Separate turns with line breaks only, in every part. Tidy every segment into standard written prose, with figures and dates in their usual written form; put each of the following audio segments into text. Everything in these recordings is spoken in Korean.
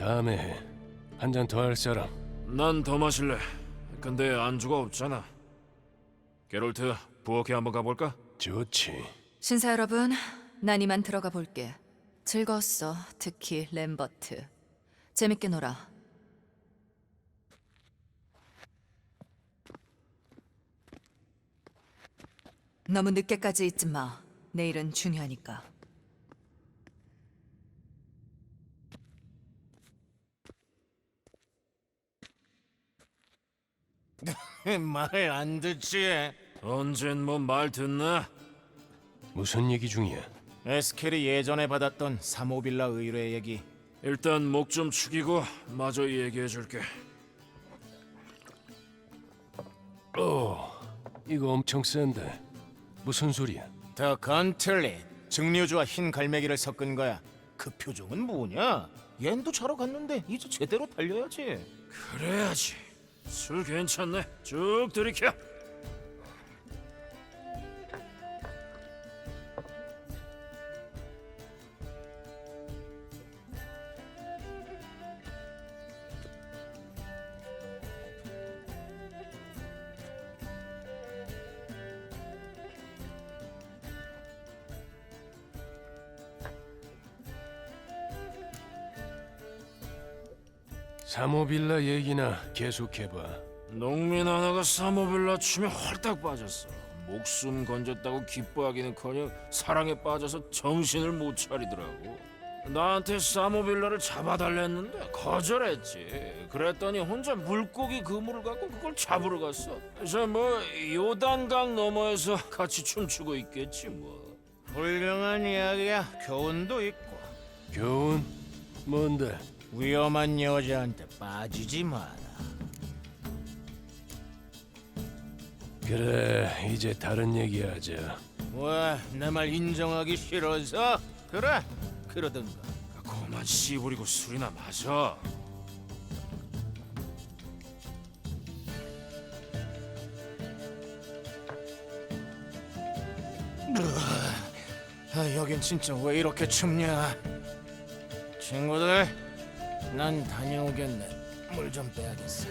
다음에 해. 한 잔 더 할 사람.
난 더 마실래. 근데 안주가 없잖아. 게롤트, 부엌에 한번 가볼까?
좋지.
신사 여러분, 난 이만 들어가 볼게. 즐거웠어, 특히 램버트. 재밌게 놀아. 너무 늦게까지 있지 마. 내일은 중요하니까.
말 안 듣지?
언젠 뭐 말 듣나?
무슨 얘기 중이야?
에스켈이 예전에 받았던 사모빌라 의뢰 얘기.
일단 목 좀 축이고 마저 얘기해줄게.
이거 엄청 센데. 무슨 소리야?
더 건틀릿 증류주와 흰 갈매기를 섞은 거야. 그 표정은 뭐냐? 얜도 자러 갔는데 이제 제대로 달려야지.
그래야지. 술 괜찮네. 쭉 들이켜.
사모빌라 얘기나 계속해봐.
농민 하나가 사모빌라 춤에 홀딱 빠졌어. 목숨 건졌다고 기뻐하기는커녕 사랑에 빠져서 정신을 못 차리더라고. 나한테 사모빌라를 잡아달랬는데 거절했지. 그랬더니 혼자 물고기 그물을 갖고 그걸 잡으러 갔어. 그래서 뭐 요단강 너머에서 같이 춤추고 있겠지 뭐.
훌륭한 이야기야. 교훈도 있고.
교훈? 뭔데?
위험한 여자한테 빠지지 마라.
그래, 이제 다른 얘기하자.
왜? 내 말 인정하기 싫어서? 그래, 그러든가.
그만 씨부리고 술이나 마셔.
여긴 진짜 왜 이렇게 춥냐? 친구들, 난 다녀오겠네. 물 좀 빼야겠어.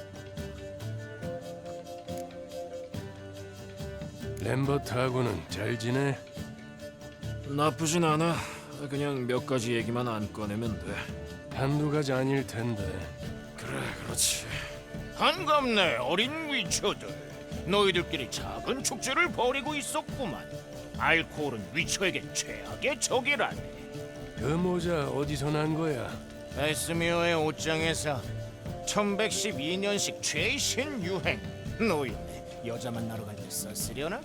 램버트하고는 잘 지내?
나쁘진 않아. 그냥 몇 가지 얘기만 안 꺼내면 돼.
한두 가지 아닐 텐데.
그래, 그렇지.
반갑네, 어린 위쳐들. 너희들끼리 작은 축제를 벌이고 있었구만. 알코올은 위쳐에겐 최악의 적이라네.
그 모자 어디서 난 거야?
에스미어의 옷장에서 1112년식 최신 유행. 노인네, 여자 만나러 갈 때 썼으려나?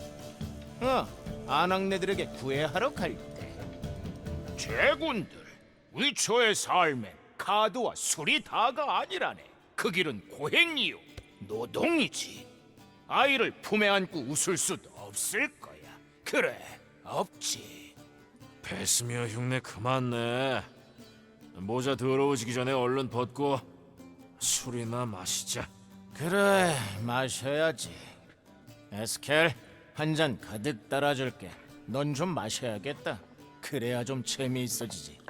아낙네들에게 구애하러 갈 때. 제군들, 위쳐의 삶엔 카드와 술이 다가 아니라네. 그 길은 고행이요, 노동이지. 아이를 품에 안고 웃을 수도 없을 거야. 그래, 없지.
베스미어 흉내 그만 내. 모자 더러워지기 전에 얼른 벗고 술이나 마시자.
그래, 마셔야지. 에스켈, 한 잔 가득 따라줄게. 넌 좀 마셔야겠다. 그래야 좀 재미있어지지.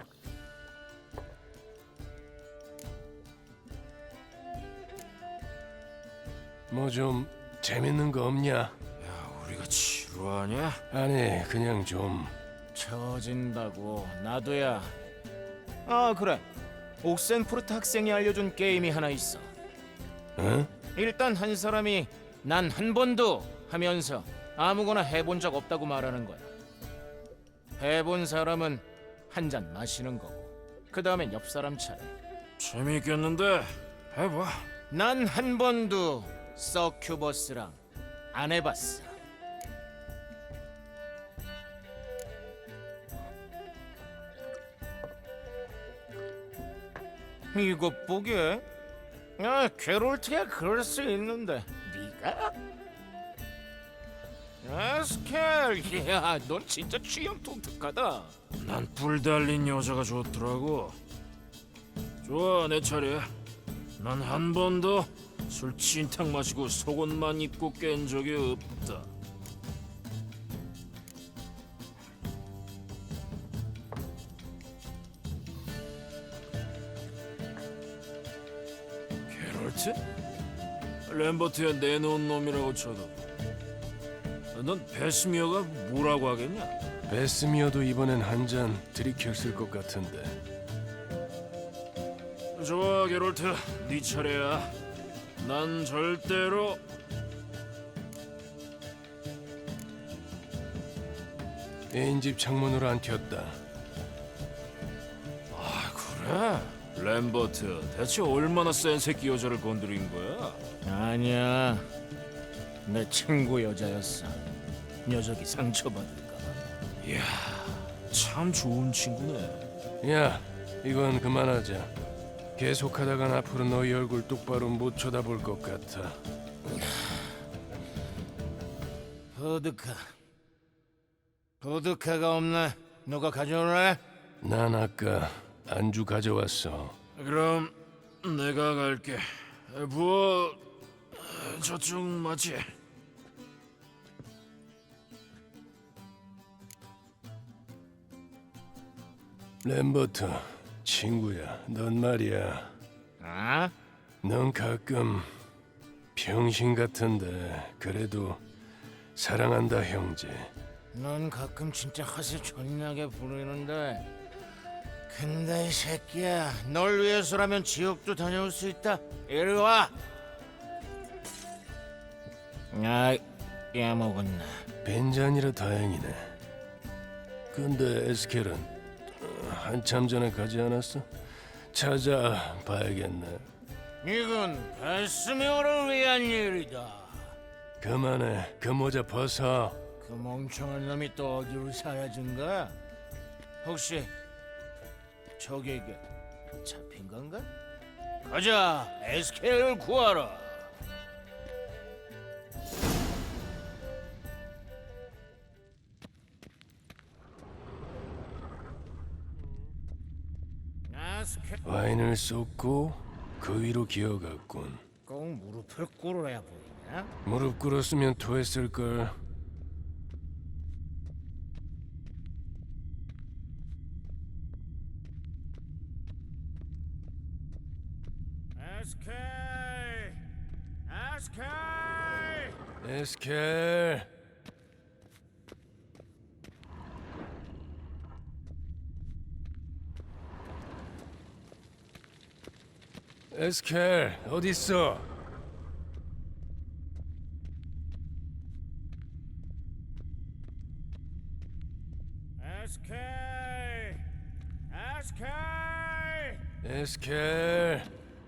뭐 좀 재밌는 거 없냐?
야, 우리가 지루하냐?
아니, 그냥 좀.
처진다고. 나도야. 아, 그래. 옥센푸르트 학생이 알려준 게임이 하나 있어.
응?
일단 한 사람이 난 한 번도 하면서 아무거나 해본 적 없다고 말하는 거야. 해본 사람은 한 잔 마시는 거고, 그 다음엔 옆 사람 차례.
재미있겠는데 해봐.
난 한 번도 서큐버스랑 안 해봤어. 이것 보게. 게롤트야 그럴 수 있는데 네가? 에스켈, 야, 넌 진짜 취향 독특하다.
난 뿔 달린 여자가 좋더라고. 좋아, 내 차례. 난 한 번도 술 진탕 마시고 속옷만 입고 깬 적이 없다. 게롤트? 램버트야 내놓은 놈이라고 쳐도 넌 베스미어가 뭐라고 하겠냐?
베스미어도 이번엔 한 잔 들이켰을 것 같은데.
좋아 게롤트, 네 차례야. 난 절대로
애인 집 창문으로 안 튀었다.
그래? 램버트, 대체 얼마나 센 새끼 여자를 건드린 거야?
아니야. 내 친구 여자였어. 녀석이 상처받을까 봐.
참 좋은 친구네.
야, 이건 그만하자. 계속하다간 앞으로 너희 얼굴 똑바로 못 쳐다볼 것 같아.
보드카가 없나? 누가 가져오래?
난 아까 안주 가져왔어.
그럼 내가 갈게. 부어 저쪽 맞지?
램버트, 친구야, 넌 말이야.
아?
넌 가끔 병신 같은데 그래도 사랑한다, 형제.
넌 가끔 진짜 허세 존나게 부르는데 근데 이 새끼야 널 위해서라면 지옥도 다녀올 수 있다. 이리 와. 아, 야먹었나.
벤잔이라 다행이네. 근데 에스켈은 한참 전에 가지 않았어? 찾아봐야겠네.
이건 베스미어를 위한 일이다.
그만해, 그 모자 벗어.
그 멍청한 놈이 또 어디로 사라진 거야? 혹시 적에게 잡힌 건가? 가자, 에스켈을 구하라. 에스켈
와인을 쏟고 그 위로 기어갔군.
꼭 무릎을 꿇어야 보이냐?
무릎 꿇었으면 토했을걸.
에스켈! 에스켈!
에스켈. 에스켈, 어딨어?
에스켈! 에스켈!
에스켈.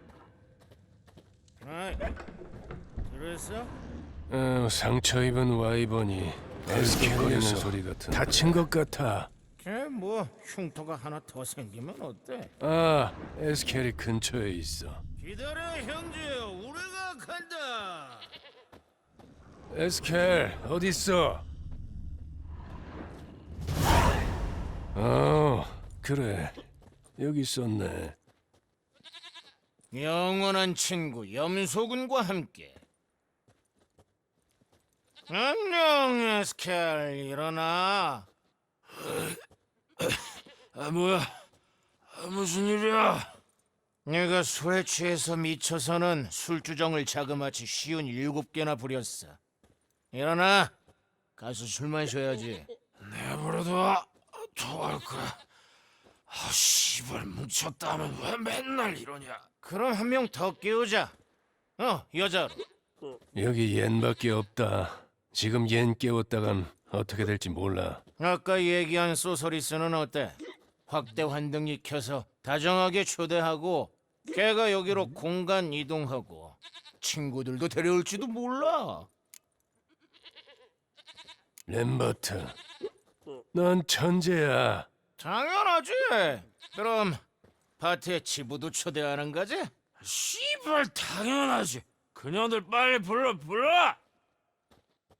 아이, 들었어?
상처 입은 와이번이 에스켈거리는 소리 같은. 다친 것 같아.
걔뭐 흉터가 하나 더 생기면 어때?
아, 에스켈이 근처에 있어.
기다려 형제, 우리가 간다.
에스켈, 어딨어? 그래. 여기 있었네.
영원한 친구 염소군과 함께. 안녕 에스켈, 일어나.
뭐야? 무슨 일이야?
내가 술에 취해서 미쳐서는 술주정을 자그마치 쉬운 7개나 부렸어. 일어나. 가서 술 마셔야지.
내버려둬. 토할 거야. 씨발 뭉쳤다면 왜 맨날 이러냐?
그럼 한 명 더 깨우자. 여자로.
여기 옌밖에 없다. 지금 옌 깨웠다간 어떻게 될지 몰라.
아까 얘기한 소서리스는 어때? 확대 환등이 켜서 다정하게 초대하고 걔가 여기로 공간 이동하고 친구들도 데려올지도 몰라.
램버트, 넌 천재야.
당연하지. 그럼 파티에 지부도 초대하는 거지?
씨발 당연하지. 그녀들 빨리 불러.